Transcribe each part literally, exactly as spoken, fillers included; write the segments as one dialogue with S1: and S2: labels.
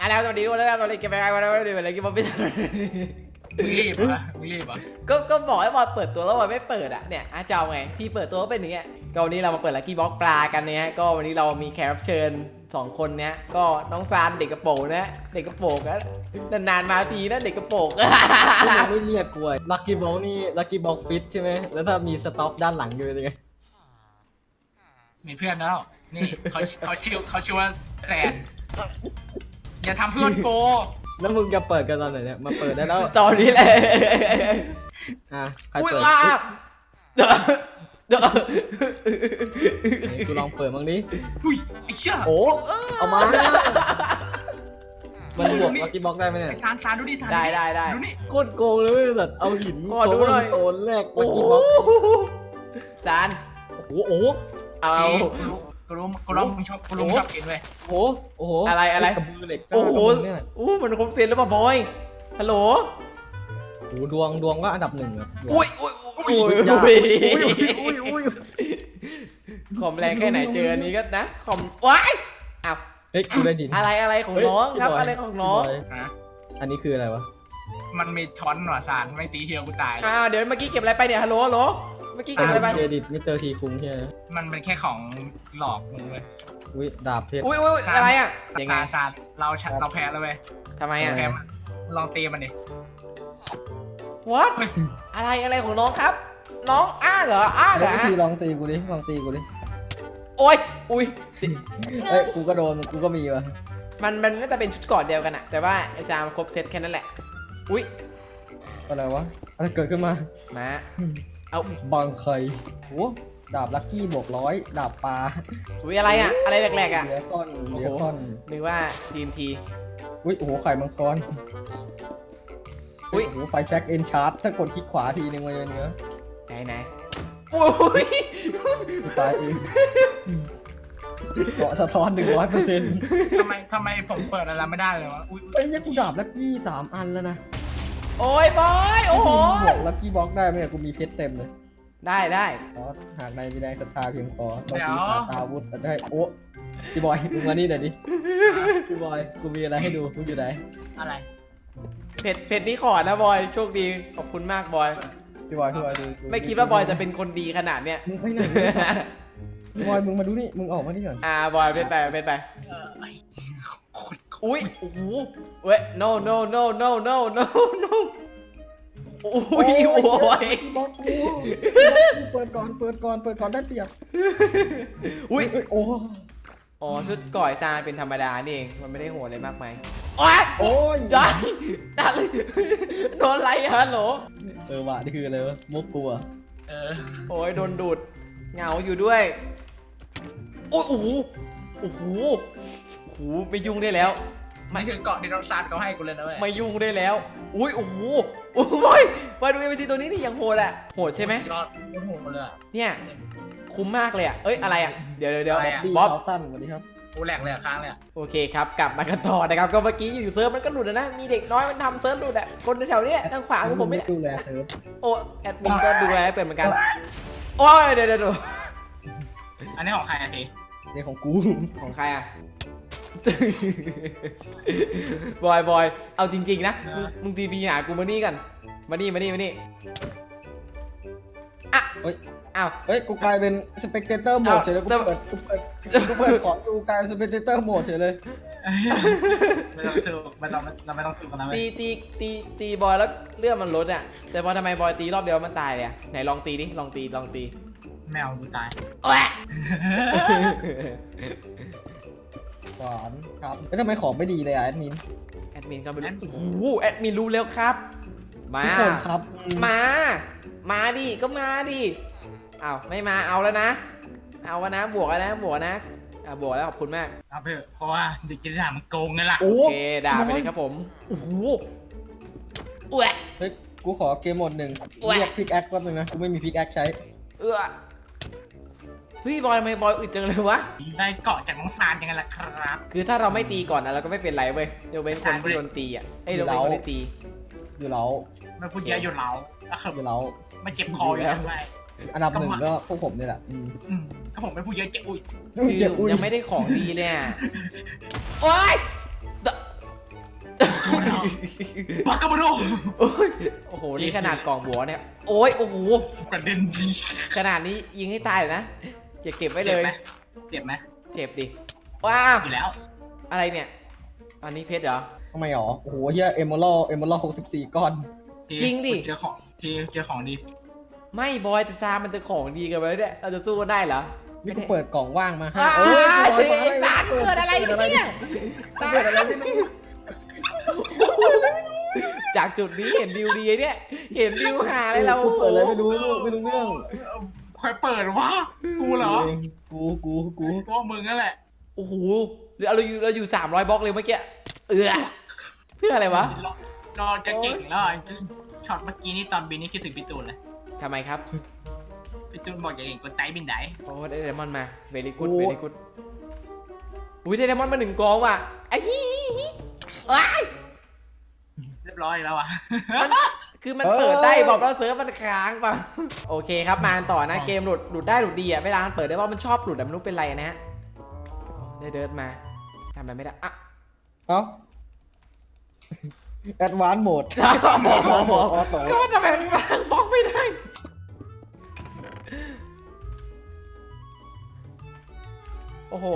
S1: แล้วสวัสดีทุกคนนะครับตอนนี้เก็บไปไงวันนี้วันนี้อะไรกินบอลไม่ทัน
S2: มึงรีบเหรอมึงรีบเหรอ
S1: ก็ก็บอกให้บอลเปิดตัวแล้วบอลไม่เปิดอ่ะเนี่ยอาจะเอาไงที่เปิดตัวก็เป็นอย่างเงี้ยก็วันนี้เรามาเปิดลัคกี้บ็อกปลากันเนี่ยก็วันนี้เรามีแขกรับเชิญสองคนเนี้ยก็น้องซานเด็กกระโปรงนะเด็กกระโปรงนะนานๆมาทีนะเด็กกระโปรง
S3: ไม่เรียกกวยลัคกี้บ็อกนี่ลัคกี้บ็อกฟิตใช่ไหมแล้วถ้ามีสต็อปด้านหลังอยู่เป็นยังไง
S2: มีเพื่อนแล้วนี่เขาเขาชื่อเขาชื่อว่าแซนอย่าทำเพื่อนโก
S3: แล้วมึงจะเปิดกันตอนไหนเนี่ยมาเปิดได้แล้ว
S1: ตอนนี้แหละ
S3: อ่ะใคร
S1: อุ้ย
S3: เปิด
S1: ว้าเดี๋ยวเดี๋ยว
S3: กูลองเปิดบ้างดิ
S2: อุ้ยไอ้เชี่ย
S3: โอ้เอามามันบวกลัคกี้บ็อกได้ไหมเนี่ย
S2: ไอ้ซานซานดูดิซาน
S1: ได้ได้ได้
S2: ดูนี่
S3: โคตรโกงเลยเว้ยสัตว์เอาหิน
S1: ขอดูหน่อย
S3: โตนแรกลั
S1: โอ้
S3: ค
S1: โห
S3: กี้บ็อก
S1: ซาน
S3: โอ้โหโอ้โห
S1: เอา
S2: กูรู้กูรู้มึงชอบกูรู้มึงชอบกินเว้ย
S3: โอ้โหโอ้โห
S1: อะไรอะไร
S3: กระบือเหล็ก
S1: โอ้โห
S3: กระบืเนี่ย
S1: อู้มันครบเซนแล้วป่ะบอยฮัลโหล
S3: โอ้โหดวงดวงก็อันดับหนึ่งอะดวง
S1: อุ้ยอุ้ยอุ้ย
S3: อย่า
S1: อุ้ย
S3: อุ้ยอุ้ย
S1: คอมแรงแค่ไหนเจออันนี้ก็นะคอมว้ายอ้าว
S3: เฮ้ยกูได้ดิน
S1: อะไรอะไรของน้องครับอะไรของน้อง
S2: นะ
S3: อันนี้คืออะไรวะ
S2: มันมีทอนหน่อซานไม่ตีเชียวกูตาย
S1: อ้าวเดี๋ยวเมื่อกี้เก็บอะไรไปเนี่ยฮัลโหลฮัลโหลเมื่อกี้เก็บอะไรไป
S3: เครดิตมิสเตอร์ทีคุ้มใช่ไหม
S2: มันเป็นแค่ของหลอกมึงเว้ย
S3: อุ้ยดาบเพชร
S1: อุ้ยอุ้ยอะไรอ่ะยังไง
S2: ซานซานเราชนะเราแพ้แล้วเว้ย
S1: ทำไมอ่ะ
S2: แพ้มันลองตีมันดิ
S1: what อะไรอะไรของน้องครับ น้องอ้าเหรออ้าเหร
S3: แล้
S1: อ
S3: วทีลองตีกูดิลองตีกูดิ
S1: โอ้ยอุ้ย
S3: เอ้ยกูก็โดนกูก็มีวะ
S1: มันมันน่าจะเป็นชุดเกอดเดียวกันอะแต่ว่าไอ้ซามครบเซตแค่นั้นแหละอุ้ย
S3: อะไรวะอะไรเกิดขึ้นมา
S1: มาเอา
S3: บางใครโอ้ดาบลัคกี้บวกร้อยดาบปลา
S1: อุ้ยอะไรอะอะไรแหลกๆอะ
S3: เดียคอนเดียคอน
S1: นึกว่าทีมที
S3: อุ้ยโอ้โหไข่มังกร
S1: อุ้ย
S3: โอ้โหไฟแช็กเอนชาร์ตถ้ากดคลิกขวาทีนึงมันจะเนื้อ
S1: ไหนไหนอุ้ย
S3: ตายเองเกาะสะท้อนหนึ่งร้อยเปอร์เซ็นต์
S2: ทำไมทำไมผมเปิดอะไรไม่ได้เลยวะอุ้ย
S3: เอ้ยยังกูดาบลัคกี้สามอันแล้วนะ
S1: โอ้ยบอยโอ้โห
S3: บวกลัคกี้บ็อกได้ไหมเนี่ยกูมีเพชรเต็มเลย
S1: ได้ได้
S3: อ๋อหากในมีแรงศรัทธาเพียงพอเราตีขาตาวุธแต่ได้โอ้พี่บอยมึงมานี่หน่อยดิพี่บอยกูมีอะไรให้ดูมึงอยู่ไหน
S2: อะไร
S1: เผ็ดเผ็ดนี่ขอนะบอยโชคดีขอบคุณมากบอย
S3: พี่บอยพี่บอยดู
S1: ไม่คิดว่าบอยจะเป็นคนดีขนาดเนี้ย
S3: มึงไปไหนพี่บอยมึงมาดูนี่มึงออกมานี่ก่อน
S1: อ่าบอยเป็นไปเป็นไป
S2: เออไอ้โคตร
S1: อุ้ยโอ้โหเว้ย no no no no no no no อุ้ยโอ้ย
S3: บล็อกกูเปิดก่อนเปิดก่อนเปิดก่อนได้เปรียบ
S1: อุ้ย
S3: โอ้
S1: อ๋อชุดก่อยซานเป็นธรรมดานี่เองมันไม่ได้โหดอะไรมากมายโอ้ย
S3: โอ้ย
S1: ได้ได้เลยโดนอะไรฮัลโหล
S3: เออว่ะนี่คืออะไรวะมุกกูอ่ะ
S2: เออ
S1: โอ้ยโดนดูดเหงาอยู่ด้วยโอ้ยโอ้โหโอ้โหโอ้โหไม่ยุ่งได้แล้ว
S2: มันคือเกาะที่เราซานเขาให้กูเลยนะเว้ย
S1: ไม่ยุ่งได้แล้วอุ้ยโอ้โหโอ้ยมาดูเอ็มซีตัวนี้นี่ยังโหดอ่ะโหดใช่ไหม
S2: ยอดโคตรโหดเลยอะ
S1: เนี่ยคุ้มมากเลยอ่ะเอ้ยอะไรอ่ะเดี๋ยวเดี๋ยวเดี๋ยว
S2: อะไรอะ
S3: ดี
S1: บ๊อบ
S3: เขาตั้นสวัสดีครับ
S2: กูแหลกเลยอะค้างเลยอะ
S1: โอเคครับกลับมากันต่อนะครับก็เมื่อกี้อยู่เซิร์ฟมันก็หลุดนะมีเด็กน้อยมันทำเซิร์ฟหลุดอ่ะคนแถวๆนี้ทางขวาของผม
S3: ไม่
S1: ไม่
S3: ดูแลเซิร์ฟ
S1: โอ้แอดมินก็ดูแลให้เป็นเหมือนกันโอ้ยเดี๋ยวเดี๋ยวเดี๋ยว
S2: อันนี้ของใครอะที
S3: นี่ของกู
S1: ของใครอ่ะ บอยบอยเอาจริงๆนะมึงมึงทีพีหากูมานี่กันมานี่มานี่มานี่อ่ะ
S3: เฮ้ย
S1: อ้าว
S3: เฮ้ยกูกลายเป็นสเปกเตอร์โหมดเฉยเลยกูเปิดกูเปิดกูเปิดขอดูกลายเป็นสเปกเตอร์โหมดเฉยเลย
S2: ไม่ต้องสู้ไม่ต้องเราไม่ต้องสู้กันนะเว้
S1: ตี
S2: ย
S1: ตีตีตีบอยแล้วเลือดมันลดอ่ะแต่พอทำไมบอยตีรอบเดียวมันตายเลยอ่ะไหนลองตีดิลองตีลองตี
S2: แมวกูตาย
S1: แหวะ
S3: หวานครับแล้วทำไมของไม่ดีเลยอ่ะแอดมิน
S1: แอดมินก็ไม่รู้โอ้โหแอดมินรู้แล้วครับ มา
S3: ทุกคนครับ
S1: มา มาดิ ก็มาดิอ้าวไม่มา เอาแล้วนะ เอาแล้วนะ บวกแล้วนะ บวกนะอ่าบวกแล้วขอบคุณมาก
S2: เอาเถอะเพราะว่าเด็กจิตวิทยามันโกงไงล่ะ
S3: โอ้
S1: โอเค ด่าไปเลยครับผม โอ้โหอ้ว
S3: เฮ้ยกูขอเกมโหมดหนึ่ง
S1: แหวะ
S3: เรียกพิกแอคแป๊บนึงนะกูไม่มีพิกแอคใช้
S1: เอื้อเฮ้ยบอยทำไมบอยอึดจังเลยวะ
S2: ได้เกาะจากน้องซานยังไงล่ะครับ
S1: คือถ้าเราไม่ตีก่อนนะเราก็ไม่เป็นไรเว้ยเดี๋ยวเป็นคนที่โดนตีอ่ะเอ้ยเดี๋ยวเป็นคนที่ตี
S3: อยู่แล้ว
S2: ไม่พูดเยอะอยู่แล้วแล้วคือ
S3: อยู่แล้ว
S2: ไม่เจ็บคออยู่แล้วไง
S3: อันดับหนึ่งก็พวกผมนี่แหละอืม
S2: อืมถ้าผมไม่พูดเยอะเจ็บอุ้ย
S1: คือ
S3: เจ็บอุ้ย
S1: ยังไม่ได้ของดีเลยอ่ะโอ๊ย
S2: บักกะบโด
S1: โอ้ยโอ้โหนี่ขนาดกล่องบัวเนี่ยโอ้ยโอ้โห
S2: กระเด็นดี
S1: ขนาดนี้ยิงให้ตายเลยนะจะเก็บไว้เลย
S2: เจ็บไหม
S1: เจ็บดิว้าว
S2: อยู่แล้ว
S1: อะไรเนี่ยอันนี้เพชรเหรอ
S3: ทำไมหรอโอ้โหเฮียเอมเมอรัลเอมเมอรัลหกสิบสี่ก้อน
S1: จริงดิ
S2: เจอของที่เจอของดี
S1: ไม่บอยแต่ซามันจะของดีกันไปแล้วเนี่ยเราจะสู้กันได้เหรอ
S3: นี่กูเปิดกล่องว่างมาให้
S1: อ้าว
S3: เอ้ย
S1: ไอ้สารเกิดอะไรเนี่ยสาร
S3: เกิดอะไรไม่รู้
S1: จากจุดนี้เห็นวิวดีเนี่ยเห็นวิวหาอะไรเรา
S3: กูเปิดอะไรไม่รู้ไม่รู้เรื่อง
S2: ใครเปิดวะกูเหรอ
S3: กูกูกู
S2: ก็มึงนั่นแหละ
S1: โอ้โหเราอยู่เราอยู่สามร้อยบล็อกเลยเมื่อกี้เออเพื่ออะไรวะ
S2: นอนจะเก่งแล้วช็อตเมื่อกี้นี่ตอนบินนี่คิดถึงพี่ตูนเลย
S1: ทำไมครับ
S2: พี่ตูนบอกอย่าเก่งกดไตบินไหน
S1: โอ้ได้ไดมอนด์มาเวลี่กูดเวลี่กูดอุ้ยได้ไดมอนด์มาหนึ่งกองว่ะไอ้ฮีว้าย
S2: เรียบร้อยแล้วอ่ะ
S1: มันคือมันเปิดได้บอกแล้วเซิร์ฟมันค้างป่ะโอเคครับมาต่อนะเกมหลุดหลุดได้หลุดดีอ่ะเวลามันเปิดได้ว่ามันชอบหลุดแต่ไม่รู้เป็นไรนะฮะได้เดินมาทำอะไรไม่ได้อ่ะ
S3: เอ้าแอดวานซ์โหมด
S1: หมอหมอหมอ
S3: ออโต้
S1: ก็ว่าทำไมมันวางบล็อกไม่ได้โอ้โห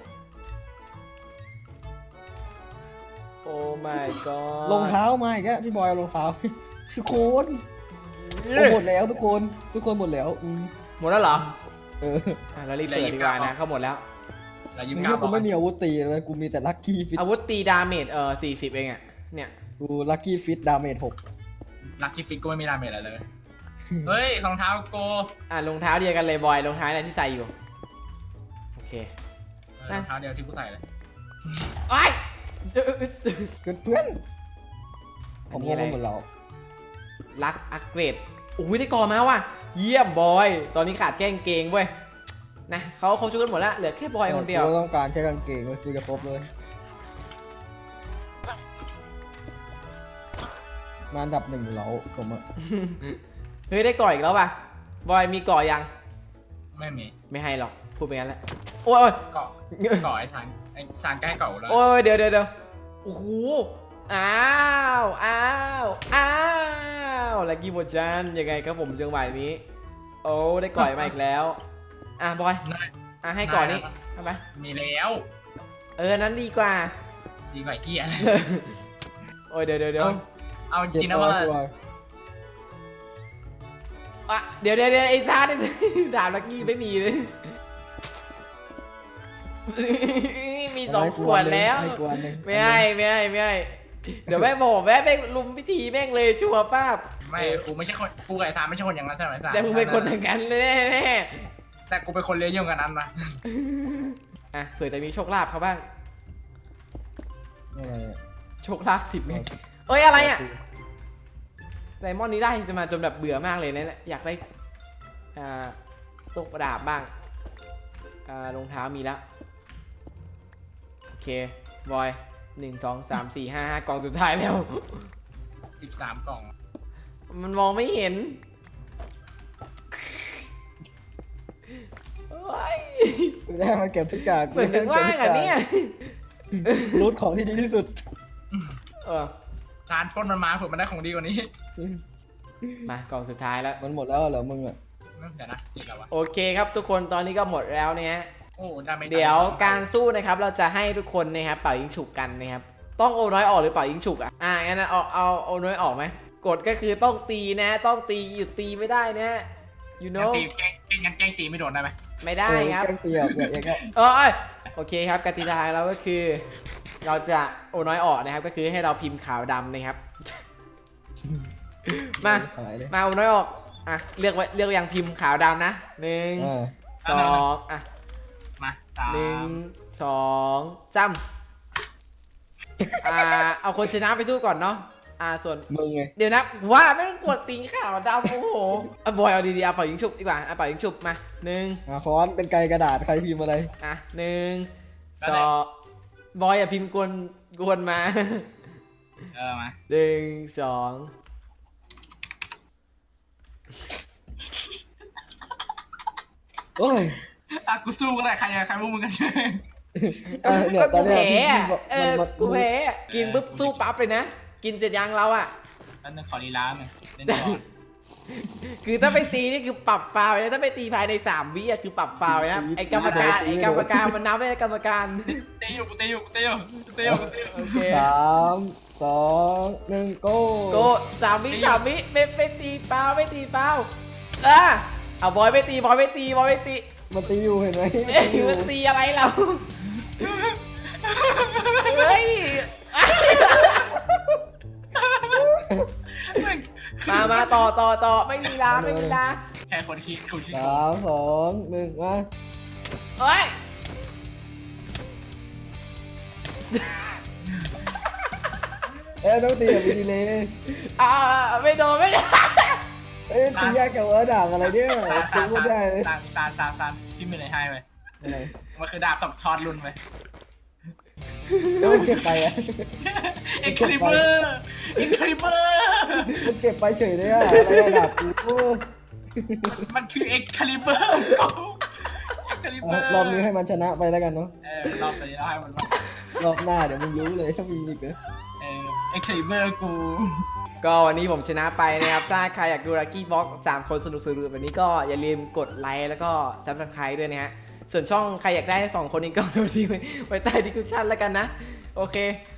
S1: โอ้ my god
S3: รองเท้ามาอีกแล้วพี่บอยเอารองเท้าทุกคนโอ้หมดแล้วทุกคนทุกคนหมดแล้วอืม
S1: หมดแล้วเหรอ
S3: เออ
S1: อ่ะเรารีบเปิดดีกว่านะเข้าหมดแล้ว
S2: แล้วยิ้ม
S3: นี่
S2: กล้าบ
S3: กู
S2: อก
S3: ไม่มีอาวุธตีเลยกูมีแต่ลัคกี้ฟิต
S1: อาวุธตีดาเมจเออสี่สิบเองอ่ะเนี่ย
S3: กูลัคกี้ฟิตดาเมจหก
S2: ลักกี้ฟิกก็ไม่มีดาเมจอะไรเลย เฮ้ยรองเท้าโก
S1: อ่ะรองเท้าเดียวกันเลยบอยรองเท้าอะไรที่ใส่อยู่โอเค
S2: รองเท้าเดียวที่กูใส่เลย
S1: ไอ้ย
S3: เพื่อนเพื่อนผ
S1: อัน
S3: ม
S1: นี้
S3: ง
S1: อะไร
S3: งหมดแล้ว
S1: ลักอักเกรดโอ้ยได้กอมาว่ะเยี่ยมบอยตอนนี้ขาดแค่กางเกงเว้ยนะเขาเขาช่วยกันหมดแล้วเหลือแค่บอยคนเดียว
S3: กูต้องการแค่กางเกงเว้ยกูจะครบเลยมาอันดับหนึ่งแล้วผมอะ
S1: เฮ้ยได้ก่ออีกแล้วป่ะบอยมีก่อยัง
S2: ไม่มี
S1: ไม่ให้หรอกพูดไปงั้นแหละโอ้ยโอ้ย
S2: เกาะเกาะไอ้ซานไอ้ซานใกล้เกาะแล้ว
S1: โอ้ยเดี๋ยวเดี๋ยวเดี๋ยวโอ้โหอ้าวอ้าวอ้าวลักกี้โมจันยังไงครับผมจังหวะนี้โอ้ได้ก่อยมาอีกแล้วอ่ะบอย
S2: นาย
S1: อ่ะให้ก่อนนี้ทำไม
S2: มีแล้ว
S1: เออนั้นดีกว่า
S2: ดีกว่าเฮีย
S1: โอ้ยเดี๋ยวเดี๋ยวเดี๋ยว
S2: เอาจ
S3: เจ็บ
S2: ริงนะ
S3: ตัว
S2: ว่า
S3: ตัว
S1: อ่ะเดี๋ยวเดี๋ยวเดี๋ยวไอ้ท่านี่ ดาบลักกี้ไม่มีเลย มีสองขวดแล้ว
S3: ให้กวนหนึ่ง
S1: ไม่ให้ไม่ให้ไม่ให้เดี๋ยวแม่บอกแม่แม่งลุมพิธีแม่งเลยชัวร์ป้าบ
S2: ไม่กูไม่ใช่คนกูกับไอ้ซานไม่ใช่คนอย่างนั้นใช่ไหมซาน
S1: แต่มึงเป็นคนทางกันแน่แน่
S2: แต่กูเป็นคนเลี้ยงยุ่งกันนั้นนะ
S1: ๆอ่ะเผื่อจะมีโชคลาภเขาบ้าง
S3: อะไรอะ
S1: โชคลาภสิบเมตรเอ้ยอะไรอ่ะไดมอนด์นี้ได้จะมาจนแบบเบื่อมากเลยนะอยากได้อ่าตกประดาบบ้างอ่ารองเท้ามีแล้วโอเคบอยหนึ่งสองสามสี่ห้าห้ากล่องสุดท้ายแล้ว
S2: สิบสามกล่อง
S1: มันมองไม่เห็นโอ้ย
S3: ไม่ได้มาเก็บทุกอย่าง
S1: เหมือนถึงว่างอ่ะเนี่ย
S3: รูทของที่ดีที่สุด
S1: เออ
S2: ซานปล้นมันมาเผื่อมันได้ของดีกว่านี้
S1: มากล่องสุดท้ายแล้ว
S3: มันหมดแล้วเหรอมึงอะ
S2: เดี๋ยวนะติดแล้ววะ
S1: โอเคครับทุกคนตอนนี้ก็หมดแล้วเนี่ยฮะ
S2: โอ้ดาเมจ
S1: เดี๋ยวการสู้นะครับเราจะให้ทุกคนนะครับเป่ายิงฉุกกันนะครับต้องโอน้อยออกหรือเป่ายิงฉุกอ่ะอ่ะงั้นนะเอาเอาโอน้อยออกไหมกฎก็คือต้องตีนะต้องตีหยุดตีไม่ได้นะ you
S2: งั้น
S1: know
S2: ตีแกล้งแกล้งงั้นแกล้งตีไม่โดนได้ไหม
S1: ไม่ได้ครับ
S3: แกล้งเตียบอย่างเงี้ย
S1: เออโอเคครับกติกาของเราก็คือ เราจะโอน้อยออกนะครับก็คือให้เราพิมพ์ขาวดำนะครับ มา
S3: หายเลย
S1: มาโอน้อยออกอ่ะเลือกไว้เลือกยังพิมพ์ขาวดำนะหนึ่ง
S3: อ่า
S1: สองอ่ะ
S2: มาสา
S1: หนึ่ง
S2: ม
S1: สองจ้ำอ่าเอาคนชนะไปสู้ก่อนเนาะอ่าส่วน
S3: มึงไง
S1: เดี๋ยวนะว่าไม่ต้องกดตีขาวดำโอ้โหอ่ะบอยเอาดีๆเอาเป่ายิงฉุบดีกว่าเอาเป่ายิงฉุบมาหนึ่ง
S3: อ่าค้อนเป็นไกลกระดาษใครพิมพ์อะไร
S1: อ่ะหนึ่งสองบอยอย่าพิมพ์กวนกวนมา
S2: เออมา
S1: หนึ่งสอง
S3: โอ้ย
S2: อ่ะกูสู้ก็ได้ใครใครพวกมึงกันช่วย
S3: เออเนี่ยต
S1: กู
S3: อนเนี้ย
S1: แพ้
S3: พี่
S1: อะ
S3: บอก
S1: เอ
S3: มัน
S1: อ
S3: มัน
S1: กูแพ้อะกินปุ๊บสู้ปั๊บเลยนะกินเสร็จยังเราอ่ะ
S2: แล้วนึงขอรีลาหน่อยเล่นก่อน
S1: คือถ้าไปตีนี่คือปรับฟาวล์เลยถ้าไปตีภายในสามวิอ่ะคือปรับฟาวล์เลยนะไอ้กรรมการไอ้กรรมการมันนับไม่ได้กรรมการ
S2: เตะอยู่กูเตะอยู่กูเตะอยู่กูเตะอยู่กูเตะอยู่
S1: โอเค
S3: สามสองหนึ่งโก้
S1: โกสามวิสามวิไม่ไม่ตีเปล่าไม่ตีเปล่าเออเอาบอยไม่ตีบอยไม่ตีบอยไม่ตี
S3: มันตีอยู่เห็นไหม
S1: เอ้ยมันตีอะไรเราเฮ้ยมามาต่อต่อต่อไม่มีลาไม่มีลา
S2: แค่คนคิดคนคิด
S3: สามสองหนึ่งมา
S1: เฮ้ย
S3: เอ้ยต้องตีแบบมีดีเลย
S1: อ่าไม่โดนไม่โดน
S3: เอ้ยตียากกับเออด่างอะไรเนี่ย
S2: ตา
S3: ตี
S2: ตา
S3: ไม่ได้เลย
S2: ตาตาตาตาพี่มีอะไรให้ไป
S3: อะไร
S2: มันคือดาบตบทอดรุ่นไป
S3: แล้วมันเก็บไปอ่ะ
S2: เอ็กคลิเบอร์เอ็กคลิเบอร์
S3: มันเก็บไปเฉยเลยอ่ะอะไรระดับกู
S2: มันคือเอ็กคลิเบอร์เอ็กคลิเบอร์
S3: รอบนี้ให้มันชนะไปแล้วกันเนาะ
S2: เออรอบนี้เราให้มันว่าร
S3: อบหน้าเดี๋ยวมึงรู้เลยถ้ามีอีกเลย
S2: เออเอ็กคลิเบอร์กู
S1: ก็วันนี้ผมชนะไปนะครับถ้าใครอยากดูลักกี้บ็อกสามคนสนุกสนุกแบบนี้ก็อย่าลืมกดไลค์แล้วก็ซับสไครต์ด้วยนะฮะส่วนช่องใครอยากได้สองคนนี้ก็ดูที่ไว้ใต้ดีคริปชั่นแล้วกันนะโอเค